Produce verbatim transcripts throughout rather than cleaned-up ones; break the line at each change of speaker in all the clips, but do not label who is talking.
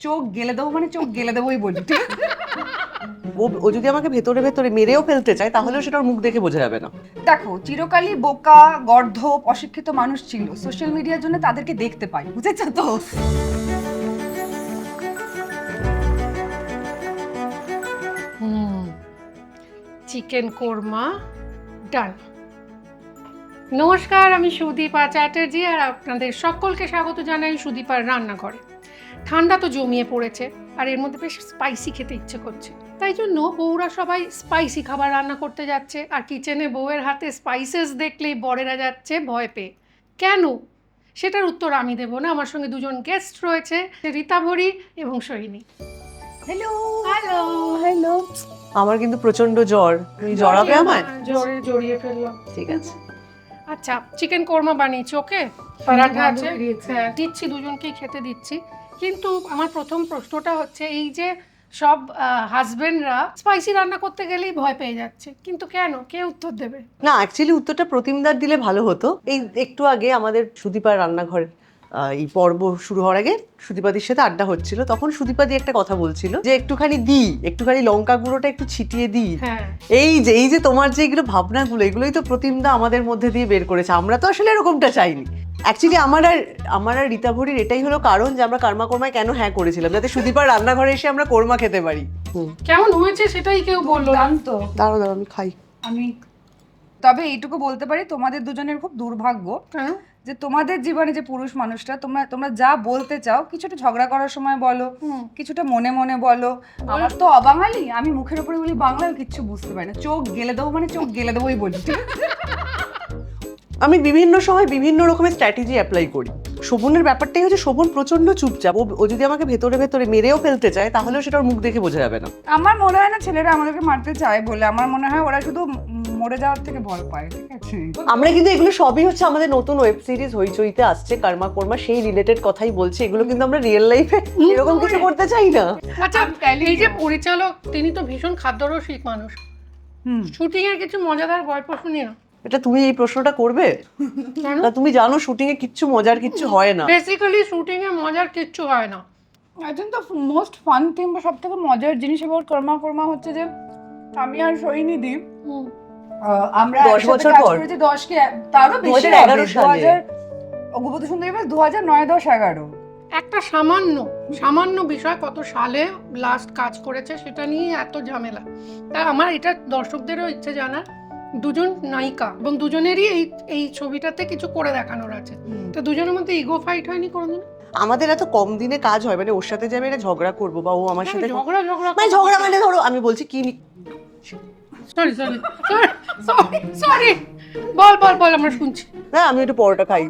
চোখ গেলে দেবো মানে চোখ গেলে দেবোই বলি, ঠিক আছে?
ও ও যদি আমাকে ভেতরে ভেতরে মেরেও ফেলতে চায় তাহলেও সেটা ওর মুখ দেখে বোঝা যাবে না।
দেখো, চিরকালই বোকা, গর্ধপ, অশিক্ষিত মানুষ ছিল। সোশ্যাল মিডিয়ার জন্য তাদেরকে দেখতে পাই, বুঝেছো তো?
Hmm chicken korma done. নমস্কার, আমি সুদীপা চ্যাটার্জি আর আপনাদের সকলকে স্বাগত জানাই সুদীপার রান্নাঘরে। ঠান্ডা তো জমিয়ে পড়েছে আর এর মধ্যে বেশ স্পাইসি খেতে ইচ্ছে করছে, তাই জন্য বউরা সবাই স্পাইসি খাবার রান্না করতে যাচ্ছে। আর কিচেনে বউয়ের হাতে স্পাইসেস দেখলেই বরেরা যাচ্ছে ভয় পেয়ে। কেন? সেটার উত্তর আমি দেবো না, আমার সঙ্গে দুজন গেস্ট রয়েছে, রীতা ভরি এবং সোহিনী।
Hello
hello.
হ্যালো।
আমার কিন্তু প্রচন্ড জ্বর, তুমি জড়াবে আমায়?
জ্বরে জড়িয়ে ফেললাম।
ঠিক আছে।
আচ্ছা, চিকেন কোরমা বানিয়েছি, ওকে? পরাঠা আছে,
গন্ধ বেরিয়েছে।
হ্যাঁ দিচ্ছি, দুজনকেই খেতে দিচ্ছি। কিন্তু আমার প্রথম প্রশ্নটা হচ্ছে, এই যে সব হাজবেন্ডরা স্পাইসি রান্না করতে গেলেই ভয় পেয়ে যাচ্ছে, কিন্তু কেন? কে উত্তর দেবে?
না, অ্যাকচুয়ালি উত্তরটা প্রতিমদার দিলে ভালো হতো। এই একটু আগে আমাদের সুদীপার রান্নাঘর আহ, এই পর্ব শুরু হওয়ার আগে সুদীপাদির সাথে আড্ডা হচ্ছিল, তখন সুদীপাদি একটা কথা বলছিল যে একটুখানি দিই, একটুখানি লঙ্কা গুঁড়োটা একটু ছিটিয়ে দিই।
হ্যাঁ,
এই যে এই যে তোমার যে এগুলো ভাবনাগুলো, এগুলোই তো প্রতিমদা আমাদের মধ্যে দিয়ে বের করেছে। আমরা তো আসলে এরকমটা চাইনি। অ্যাকচুয়ালি আমার আর আমার আর রীতা ভরির এটাই হলো কারণ যে আমরা কর্মা কর্মায় কেন হ্যাঁ করেছিলাম, যাতে সুদীপার রান্নাঘরে এসে আমরা কোরমা খেতে পারি। হুম,
কেমন হয়েছে সেটাই কেউ বললো না।
তো
দাঁড়াও দাঁড়াও আমি খাই।
আমি তবে এইটুকু বলতে পারি, তোমাদের দুজনের খুব দুর্ভাগ্য
কেন?
যে তোমাদের জীবনে যে পুরুষ মানুষটা, তোমরা তোমরা যা বলতে চাও কিছুটা ঝগড়া করার সময় বলো,
হুম।
কিছুটা মনে মনে বলো। আমার তো অবাঙালি, আমি মুখের উপরে বলি বাংলায়, কিচ্ছু বুঝতে পারি না। চোখ গেলে দেবো মানে চোখ গেলে দেবোই বলি, ঠিক আছে?
আমি বিভিন্ন সময় বিভিন্ন রকমের স্ট্র্যাটেজি অ্যাপ্লাই করি। শোভনের ব্যাপারটাই হচ্ছে, শোভন প্রচন্ড চুপচাপ। ও ও যদি আমাকে ভেতরে ভেতরে মেরেও ফেলতে চায় তাহলেও সেটা ওর মুখ দেখে বোঝা যাবে না।
আমার মনে হয় না ছেলেরা আমাদেরকে মারতে চায় বলে, আমার মনে হয় ওরা শুধু উম মরে যাওয়ার থেকে ভয় পায়, ঠিক আছে?
আমরা কিন্তু এগুলো সবই হচ্ছে আমাদের নতুন ওয়েব সিরিজ হইচইতে আসছে কর্মা কর্মা, সেই রিলেটেড কথাই বলছি। এগুলো কিন্তু আমরা রিয়েল লাইফে এরকম কিছু করতে চাই না।
আচ্ছা,
I'm telling
এই যে
you.
পরিচালক, তিনি তো ভীষণ খাদ্যরসিক মানুষ।
হুম।
শুটিং এর কিছু মজাদার গল্প শুনি না।
এটা তুমি এই প্রশ্নটা করবে?
কেন?
না, তুমি জানো শুটিং এ কিচ্ছু মজার কিচ্ছু হয় না।
বেসিক্যালি শুটিং এ মজার কিচ্ছু হয় না।
I think the most fun thing বা সব থেকে মজার জিনিস এবার কর্মা কর্মা হচ্ছে যে আমি আর সোহিনী দি
হুম।
আহ, আমরা
দশ
একসাথে
বছর
কাজ
পর?
করেছি, দশ কি তারও বেশি
দু হাজার এগারো
হবে,
সালে।
দু হাজার অগুপত সুন্দরী দু হাজার নয় দশ এগারো।
একটা সামান্য সামান্য বিষয় কত সালে লাস্ট কাজ করেছে সেটা নিয়ে এত ঝামেলা। তা আমার এটা দর্শকদেরও ইচ্ছে জানার, দুজন নায়িকা এবং দুজনেরই এই এই ছবিটাতে কিছু করে দেখানোর আছে, তো দুজনের মধ্যে ইগো ফাইট হয়নি কোনোদিন?
আমাদের এত কম দিনে কাজ হয়, মানে ওর সাথে যে আমি একটা ঝগড়া করবো বা ও আমার সাথে
ঝগড়া ঝগড়া
মানে ঝগড়া মানে ধরো আমি বলছি কি নি-
সরি সরি সরি সরি বল বল বল, আমরা শুনছি।
হ্যাঁ আমি একটু পরোটা খাই।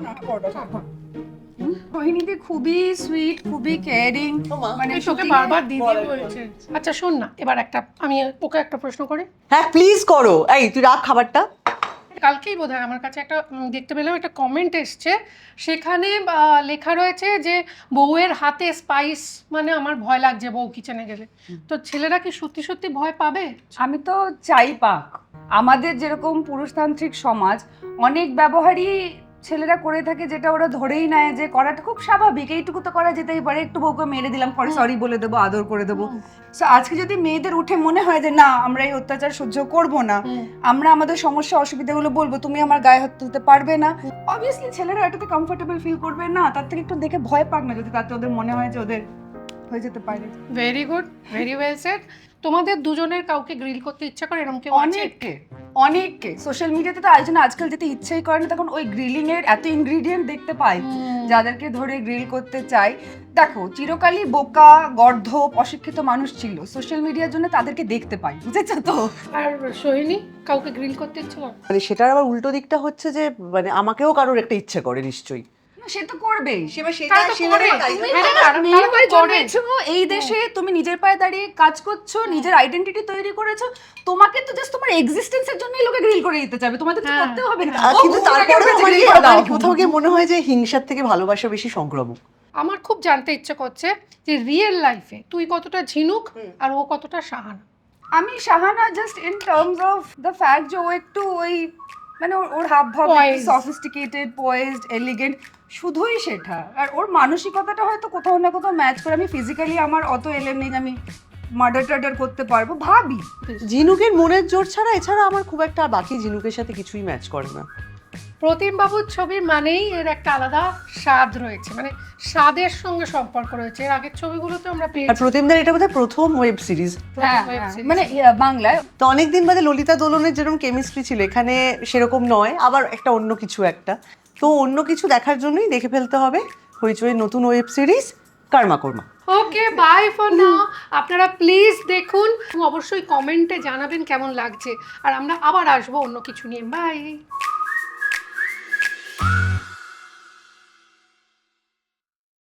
সোহিনীদি খুবই সুইট, খুবই কেয়ারিং, মানে
এই তোকে
shooting এ-
বারবার দিদি বলছে। আচ্ছা শোন না, এবার একটা আমি ওকে একটা প্রশ্ন করি।
হ্যাঁ প্লিজ করো। এই তুই রাখ খাবারটা।
কালকেই বোধহয় আমার কাছে একটা উম, দেখতে পেলাম একটা কমেন্ট এসছে, সেখানে আহ, লেখা রয়েছে যে বউয়ের হাতে স্পাইস মানে আমার ভয় লাগছে বউ কিচেনে গেলে। তো ছেলেরা কি সত্যি সত্যি ভয় পাবে?
আমি তো চাই পাক। আমাদের যেরকম পুরুষতান্ত্রিক সমাজ, অনেক ব্যবহারই ছেলেরা করে থাকে যেটা ওরা ধরেই নেয় যে করাটা খুব স্বাভাবিক, এইটুকু তো করা যেতেই পারে, একটু বউকে মেরে দিলাম, পরে সরি বলে দেবো, আদর করে দেবো। সো আজকে যদি মেয়েদের উঠে মনে হয় যে না আমরা এই অত্যাচার সহ্য করব না, আমরা আমাদের সমস্যা অসুবিধাগুলো বলবো, তুমি আমার গায়ে হাত তুলতে পারবে না, অবভিয়াসলি ছেলেরা এটাতে কমফোর্টেবল ফিল করবে না। তার থেকে একটু দেখে ভয় পাক না, যদি তাতে ওদের মনে হয় যে ওদের হয়ে যেতে পারে।
Very good, very well said. তোমাদের দুজনের কাউকে গ্রিল করতে ইচ্ছা করে এরকম কেউ আছে?
অনেককে অনেককে সোশ্যাল মিডিয়াতে তো আয়োজন আজকাল যেতে ইচ্ছেই করে না, তখন ওই গ্রিলিং এর এত ইনগ্রিডিয়েন্ট দেখতে পাই যাদেরকে ধরে গ্রিল করতে চাই। দেখো, চিরকালই বোকা, গর্ধপ, অশিক্ষিত মানুষ ছিল। সোশ্যাল মিডিয়ার জন্য তাদেরকে দেখতে পাই, বুঝেছো তো?
আর সোহিনী, কাউকে গ্রিল করতে ইচ্ছে করে?
মানে সেটার আবার উল্টো দিকটা হচ্ছে যে মানে আমাকেও কারোর একটা ইচ্ছে করে নিশ্চয়ই।
না, সে তো করবেই, সে বা সেটা
তারা তো
সেভাবে
করে।
তাই
তুমি
জন্য
হ্যাঁ,
না,
তারা-
মেয়ে
তারা তো
হয়ে
করে।
জন্মেছো এই দেশে, তুমি নিজের পায়ে দাঁড়িয়ে কাজ করছো, নিজের আইডেন্টিটি তৈরি করেছো, তোমাকে তো জাস্ট তোমার এক্সিস্টেন্সের জন্যই লোকে গ্রিল করে দিতে চাবে, তোমাদের তো
হ্যাঁ।
করতে হবে না।
আহ, কিন্তু
ও,
তারপরে
ওটাকে
আমার
grill করে দাও।
আমার কোথাও গিয়ে মনে হয় যে হিংসার থেকে ভালোবাসা বেশি সংক্রামক।
আমার খুব জানতে ইচ্ছে করছে যে রিয়েল লাইফে তুই কতটা ঝিনুক আর ও কতটা সাহানা?
আমি Shahana just in terms of the fact যে ও একটু ওই মানে ওর- ওর হাব ভাব
Poised.
সফিস্টিকেটেড পয়েজড এলিগেন্ট, শুধুই সেটা। আর ওর মানসিকতাটা হয়তো কোথাও না কোথাও ম্যাচ করে। আমি ফিজিক্যালি আমার অত এলেম নেই যে আমি মার্ডার টার্ডার করতে পারবো, ভাবি।
ঝিনুকের মনের জোর ছাড়া এছাড়া আমার খুব একটা আর বাকি ঝিনুকের সাথে কিছুই ম্যাচ করে না।
প্রতিম বাবুর ছবি মানেই এর একটা আলাদা স্বাদ রয়েছে, মানে স্বাদের সঙ্গে সম্পর্ক রয়েছে। এর আগের ছবিগুলোতে আমরা
আর
পেয়েছি
প্রতিমদার এটা বোধহয় প্রথম ওয়েব সিরিজ।
হ্যাঁ,
web
হ্যাঁ,
series।
মানে ইয়া, বাংলায়।
তো অনেকদিন বাদে ললিতা দোলনের যেরকম কেমিস্ট্রি ছিল এখানে সেরকম নয়, আবার একটা অন্য কিছু একটা। তো অন্য কিছু দেখার জন্যই দেখে ফেলতে হবে হইচই নতুন web series Karma Karma.
Okay, bye for now. আপনারা প্লিজ দেখুন, অবশ্যই কমেন্টে জানাবেন কেমন লাগছে। আর আমরা আবার আসবো অন্য কিছু নিয়ে। বাই।